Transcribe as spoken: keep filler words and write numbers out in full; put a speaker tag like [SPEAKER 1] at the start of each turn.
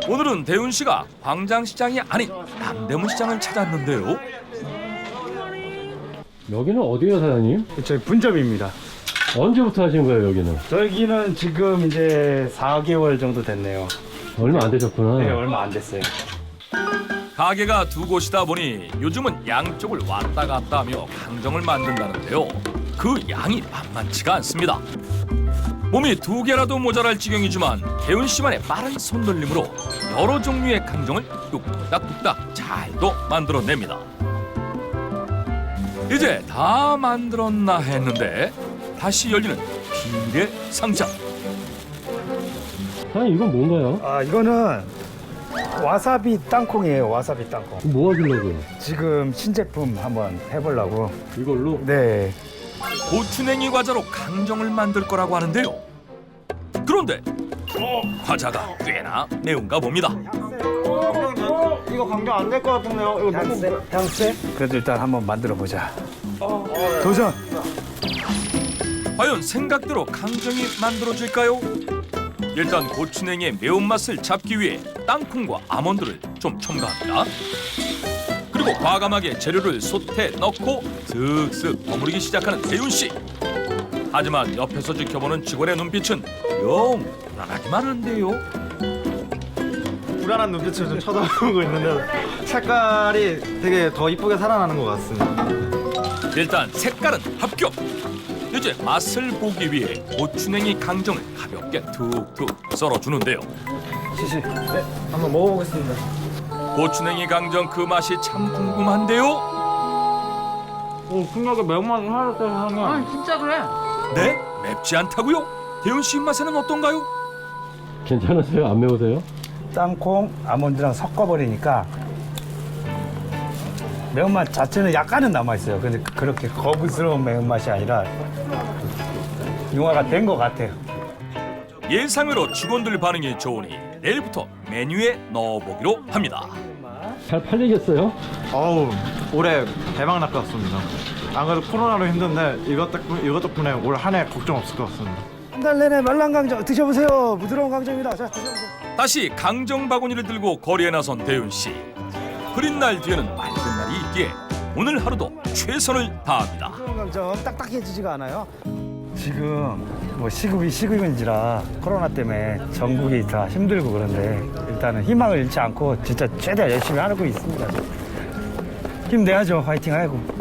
[SPEAKER 1] 오늘은 대훈 씨가 광장시장이 아닌 남대문 시장을 찾았는데요.
[SPEAKER 2] 여기는 어디예요, 사장님?
[SPEAKER 3] 저희 분점입니다.
[SPEAKER 2] 언제부터 하신 거예요, 여기는?
[SPEAKER 3] 저기는 지금 이제 사 개월 정도 됐네요.
[SPEAKER 2] 얼마 안 되셨구나.
[SPEAKER 3] 네, 얼마 안 됐어요.
[SPEAKER 1] 가게가 두 곳이다 보니 요즘은 양쪽을 왔다 갔다 하며 강정을 만든다는데요. 그 양이 만만치가 않습니다. 몸이 두 개라도 모자랄 지경이지만 대훈 씨만의 빠른 손놀림으로 여러 종류의 강정을 뚝딱뚝딱 잘도 만들어냅니다. 이제 다 만들었나 했는데 다시 열리는 비밀의 상자.
[SPEAKER 2] 사장님, 이건 뭔가요?
[SPEAKER 3] 아, 이거는 와사비 땅콩이에요. 와사비 땅콩.
[SPEAKER 2] 뭐 하시려고요?
[SPEAKER 3] 지금 신제품 한번 해보려고.
[SPEAKER 2] 이걸로?
[SPEAKER 3] 네.
[SPEAKER 1] 고추냉이 과자로 강정을 만들 거라고 하는데요. 그런데 과자가 꽤나 매운가 봅니다.
[SPEAKER 4] 이거 강정 안 될 것 같은데요? 이거 너무
[SPEAKER 3] 향세? 그래도 일단 한번 만들어 보자. 도전!
[SPEAKER 1] 과연 생각대로 강정이 만들어질까요? 일단 고추냉이의 매운맛을 잡기 위해 땅콩과 아몬드를 좀 첨가합니다. 그리고 과감하게 재료를 솥에 넣고 슥슥 버무리기 시작하는 대훈 씨. 하지만 옆에서 지켜보는 직원의 눈빛은 영 불안하기만 한데요.
[SPEAKER 4] 불안한 눈빛으로 좀 쳐다보고 있는데 색깔이 되게 더 이쁘게 살아나는 것 같습니다.
[SPEAKER 1] 일단 색깔은 합격. 이제 맛을 보기 위해 고추냉이 강정을 가볍게 툭툭 썰어주는데요.
[SPEAKER 4] 시시. 네, 한번 먹어보겠습니다.
[SPEAKER 1] 고추냉이 강정 그 맛이 참 궁금한데요.
[SPEAKER 4] 오, 풍력에 매운맛이 사라졌어요, 사장님.
[SPEAKER 5] 아 진짜 그래.
[SPEAKER 1] 네? 맵지 않다고요? 대훈 씨 입맛에는 어떤가요?
[SPEAKER 2] 괜찮으세요? 안 매우세요?
[SPEAKER 3] 땅콩, 아몬드랑 섞어버리니까 매운맛 자체는 약간은 남아있어요. 근데 그렇게 거부스러운 매운맛이 아니라 융화가 된 것 같아요.
[SPEAKER 1] 예상외로 직원들 반응이 좋으니 내일부터 메뉴에 넣어보기로 합니다.
[SPEAKER 2] 잘 팔리겠어요?
[SPEAKER 4] 어우, 올해 대박 날 것 같습니다. 안 그래도 코로나로 힘든데 이것 덕분, 이것 덕분에 올 한 해 걱정 없을 것 같습니다.
[SPEAKER 3] 한 달 내내 말랑 강정 드셔보세요. 부드러운 강정입니다. 자, 드셔보세요.
[SPEAKER 1] 다시 강정 바구니를 들고 거리에 나선 대훈 씨. 흐린 날 뒤에는 맑은 날이 있기에 오늘 하루도 최선을 다합니다.
[SPEAKER 3] 부드러운 강정 딱딱해지지가 않아요. 지금 뭐 시국이 시국인지라 코로나 때문에 전국이 다 힘들고 그런데 일단은 희망을 잃지 않고 진짜 최대한 열심히 하고 있습니다. 힘내야죠. 화이팅 하고.